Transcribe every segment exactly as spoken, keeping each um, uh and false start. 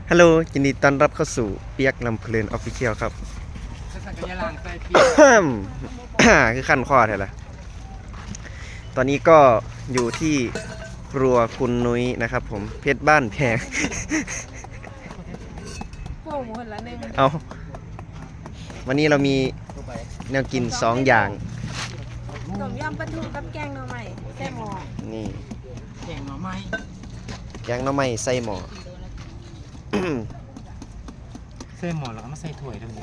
ฮัลโหลยินดีต้อนรับเข้าสู่เปียกลำเพลินออฟฟิเชียลครับ คือขั้นข้อแท้ละตอนนี้ก็อยู่ที่ครัวคุณนุ้ยนะครับผมเพชรบ้านแพงโอ้โหหละหนึ่งเอาวันนี้เรามีแนวกินสองอย่างต้มยำปลาทูกับแกงหน่อไม้แซ่บหม้อนี่แกงหน่อไม้แกงหน่อไม้ใส่หม้อใส่หม้อแล้วก็มาใส่ถ้วยด้วย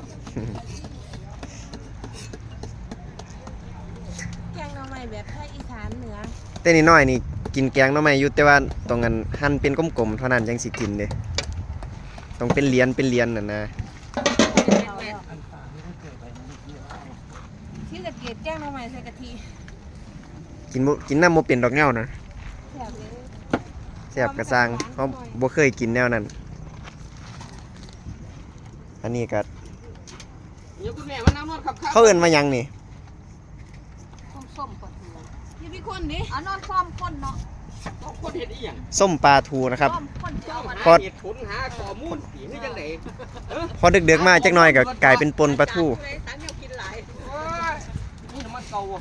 แกงหน่อไม้แบบภาคอีสานเหนือแต่นิดหน่อยนี่กินแกงหน่อไม้อยู่แต่ว่าตรงนั้นหั่นเป็นกลมๆเท่านั้นยังสิกินเด้ต้องเป็นเหรียญเป็นเหรียญน่ะนะที่ตะเกียบแกงหน่อไม้ใส่กะทิกินบ่กินน้ำโมเป็นดอกเงานะแซ่บเลยแซ่บกระซังเพราะบ่เคยกินแนวนั้นอันนี้ก็เขาเอิ้นมาหยังนี่ส้มๆปลาทูพี่พี่คนดิอ๋อนอนซ้อมคนเนาะคนเห็ดอีหยังส้มปลาทูนะครับซ้อมคนเจ้าอะพอเหตุผลหาข้อมูลสีนี่จังได๋พอดึกๆมาจักหน่อยก็กลายเป็นปนปลาทูตังแนวกินหลายนี่น้ำมันเก่าอ่ะ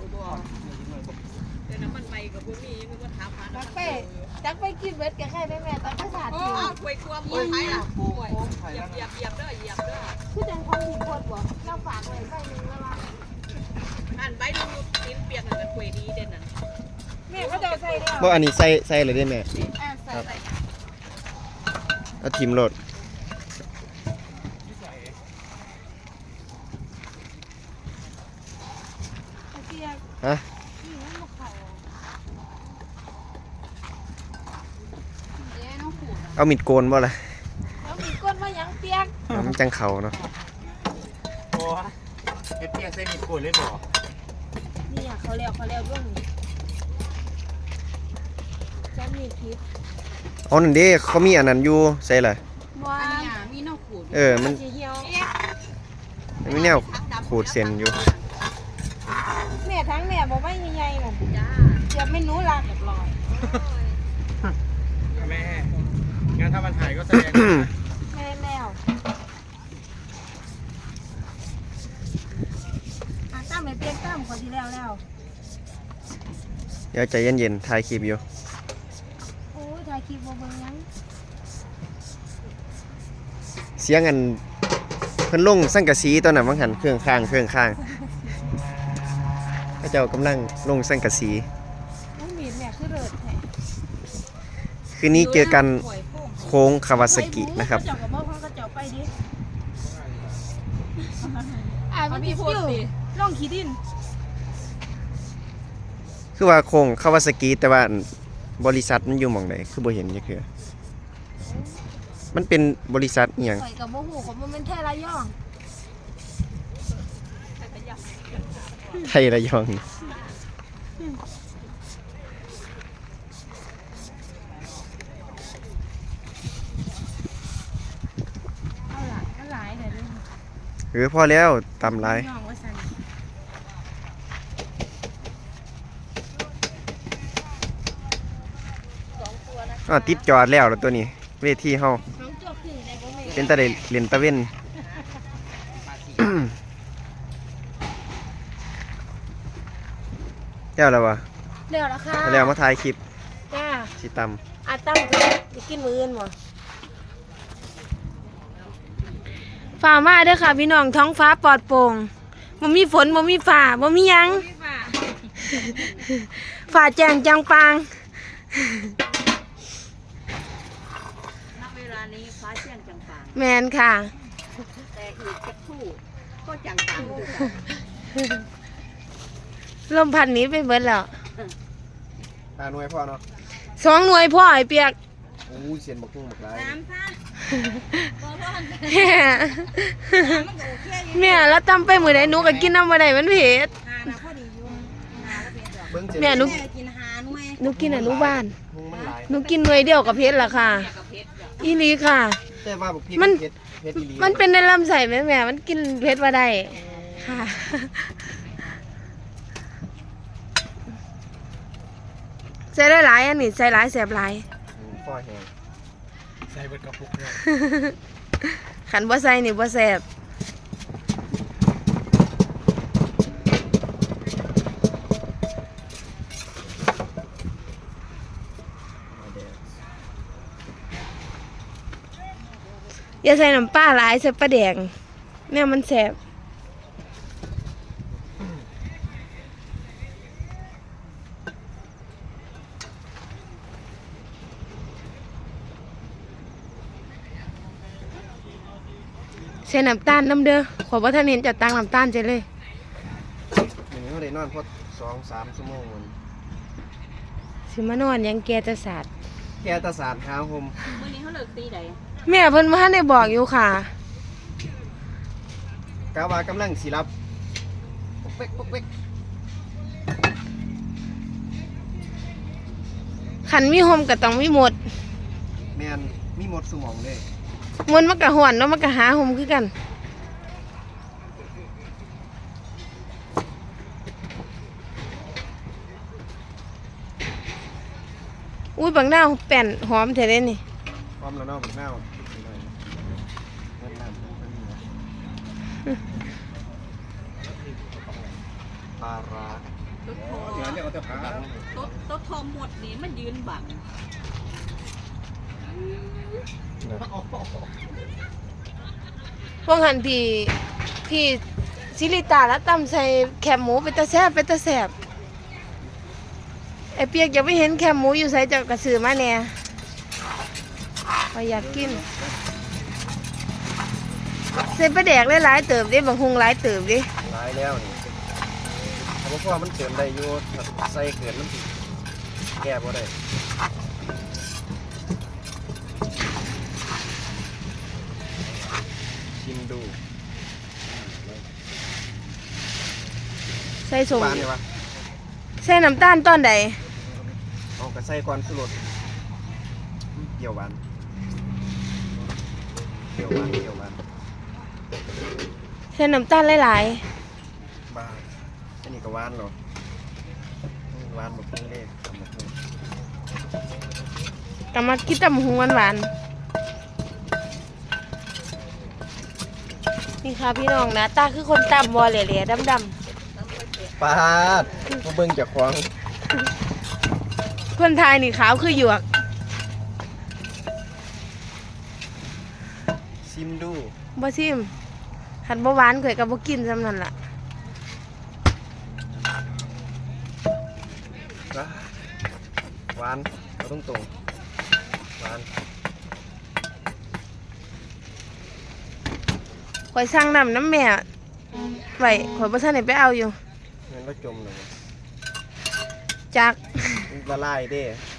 แต่น้ำมันใหม่กับบ่มีมันก็ถามหาตักไปตักไปกินเบิดกับใครแม่ตักภาษาจีนกล้วยกวมกล้วยไผ่ล่ะกล้วยเหยียบเหยียบเหยียบเด้อเหยียบเด้อคือจังคนหินคนบ่เราฝากไว้ใส่นึงแล้วว่าอันใบดูกินเปียกกันกล้วยดีเด่นน่ะแม่ก็จะใส่แล้วบ่อันนี้ใส่ใส่เลยได้แม่อ่าใส่ใส่เอาทิมโลดเสียบฮะนี่มันบ่เข้าเด้น้องขู่เอามีดโกนบ่ล่ะแล้วมีก้นมาหยังเปียกเอามันจังเขาเนาะโอ้เฮ็ดเปียกใส่มีดโกนเลยบ่นี่อ่ะเขาเรียกเขาเรียกว่านี่จะมีพิษเอานั่นเด้เขามีอันนั้นอยู่ใส่ล่ะว่าอันนี้มีน้องขูดเออมันสิเหี่ยวมันมีแนวขูดเส้นอยู่แม่ทั้งแม่บ่ไม่ใหญ่ๆน่ะจ้าเดี๋ยวไม่หนูลาเรียบร้อยแม่งานถ้ามันหายก็แสดงแม่แมวอ่ะตั้มไม่เปลี่ยนตั้มคนที่แล้วแล้วเดี๋ยวใจเย็นๆถ่ายคลิปอยู่โอ้ยถ่ายคลิปบ่เบิ่งหยังเสียงอันเพิ่นลงสังกะสีตอนนั้นบางหันเครื่องข้างเครื่องข้างพระเจ้ากำลังลงสังกะสีน้องมีดแม่คือเลิศแท้คืนนี้เจอกันโค้งคาวาซากินะครับเจ้าก็บอกเขาก็เจ้าไปดิอ่ามันมีพูดสิลองขี้ดินคือว่าโค้งคาวาซากิแต่ว่าบริษัทมันอยู่หม่องใดคือบ่เห็นจักเทื่อมันเป็นบริษัทอีหยังข่อยกับโมโหของมันเป็นแท้ระยองไทยระยองเอาล่ะมันหลายเด้อเด้อหรือพอแล้วตำหลายระยองว่าซั่นอ้าวติดจอดแล้วล่ะตัวนี้เวทีเฮาน้องจวบขึ้นได้บ่แม่เป็นตาได้เล่นตะเว้น แล้วแล้ววะเร็วแล้วค่ะแล้วมาถ่ายคลิปจ้าสิตอาตั้งก็จะกินมื้ออื่นบ่ฝ่ามาเด้อค่ะพี่น้องท้องฟ้าปลอดโปร่งบ่มีฝนบ่มีฟ้าบ่มีหยังฟ้าแจ้งจังปางณเวลานี้ฟ้าแจ้งจังปางแมนค่ะแต่อีกสักครู่ก็จังปางด้วยกันลมพัดหนี้ไปเบิดแล้วำตาหน่วยพ่อเนาะสองหน่วยพ่อไอ้เปียกโอ้ยเสียนบักทุ่งบักหลายน้ำซะบ่ร้อนแม่มันก็โอเคอยู่แม่แล้วตำไปมื้อใดหนูก็กินน้ำบ่ได้มันเผ็ดหานะพอดีอยู่หาแล้วเผ็ดดอกเบิ่งเสียนแม่หนูแม่กินหาหน่วยหนูกินอนุบาลทุ่งมันหลายหนูกินหน่วยเดียวกับเผ็ดล่ะค่ะแม่กับเผ็ดดอกอีหลีค่ะแต่ว่าบักพริกมันเผ็ดเผ็ดอีหลีมันเป็นในลำไส้แม่แม่มันกินเผ็ดบ่ได้ค่ะใส่หลายๆอันนี้ใส่หลายแสบหลายพ่อแห้งใส่เบิดกระปุกเลยขันบ่ใส่นี่บ่แซ่บอย่าใส่น้ำปลาหลายใส่ปลาแดงเนี่ยมันแซ่บใส่น้ำตาลน้ำเด้อขอบ่ทันเห็นจะตังน้ำตาลใจเลยอย่างนี้เขาได้นอนพอสองสามชั่วโมงมันสิมานอนยังแกจะสาดแกตาสาดหาหมมื้อนี้เขาเลิกตีใดแม่เพิ่นมาทันได้บอกอยู่ค่ะกาวากำลังสิรับปุ๊กเป๊กปุ๊กเป๊กขันมีโฮมก็ต้องมีหมดแมนมีหมดสมองเลยหมดมันก็หวนแล้วมันก็หาโฮมคือกัน อุ้ยบางดาวแป่นหอมแท้เด้นี่พร้อมแล้วเนาะผมเน่าเงินน้ำเงินนี่นะปลาร้าตุ๊ดโทเดี๋ยวเนี่ยเอาแต่ขาตุ๊ดตุ๊ดโทหมดนี่มันยืนบังพวกหันพี่พี่ซิลิตาแล้วตำใส่แคบหมูเป็นตะแซ่บเป็นตะแซ่บไอเปียกยังไม่เห็นแคบหมูอยู่ใส่จากกระสือมาแน่พอยากกินใส่ปลาแดกหลายๆเติบดิบางฮุงหลายเติบดิหลายแล้วนี่ถ้าพ่อมันเกินได้อยู่ถ้าใส่เกินมันสิแก้บ่ได้ชิมดูใส่สมหวานเลยวะใส่น้ำตาลตอนใดเอากระใส่ก่อนสุรสเปรี้ยวหวานเปรี้ยวหวานเปรี้ยวหวานใส่น้ำตาลหลายบ้าอันนี้ก็หวานเหรอหวานแบบนี้เลยทำแบบนี้ๆกำมากินตำฮุงหวานๆนี่ค่ะพี่น้องนะตาคือคนตำบอเหล่ๆดำปาดมาเบิ่งจากของๆคนไทยนี่ขาวคือหยวกชิมดูบ่ซิมขันบ่หวานข่อยก็บ่กินซำนั่นล่ะนะหวานเราต้องตรงหวานข่อยสั่งน้ำน้ำแม่ไว้ข่อยบ่ทันได้ไปเอาอยู่งั้นก็จมเลยจักละลายเด้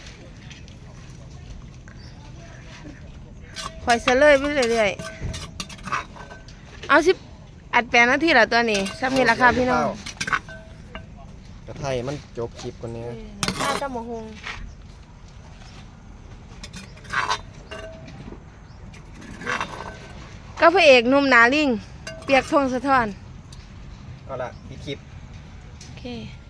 ข่อยเสลยไปเรื่อยๆเอาสิอัดแปดนาทีละตัวนี้ซ้ำนี่ราคาพี่น้องกระไทยมันจบคลิปกว่านี้ข้าตำบักหุ่งก็พระเอกหนุ่มหนาลิง เปียกพงศธรเอาละปิดคลิปโอเค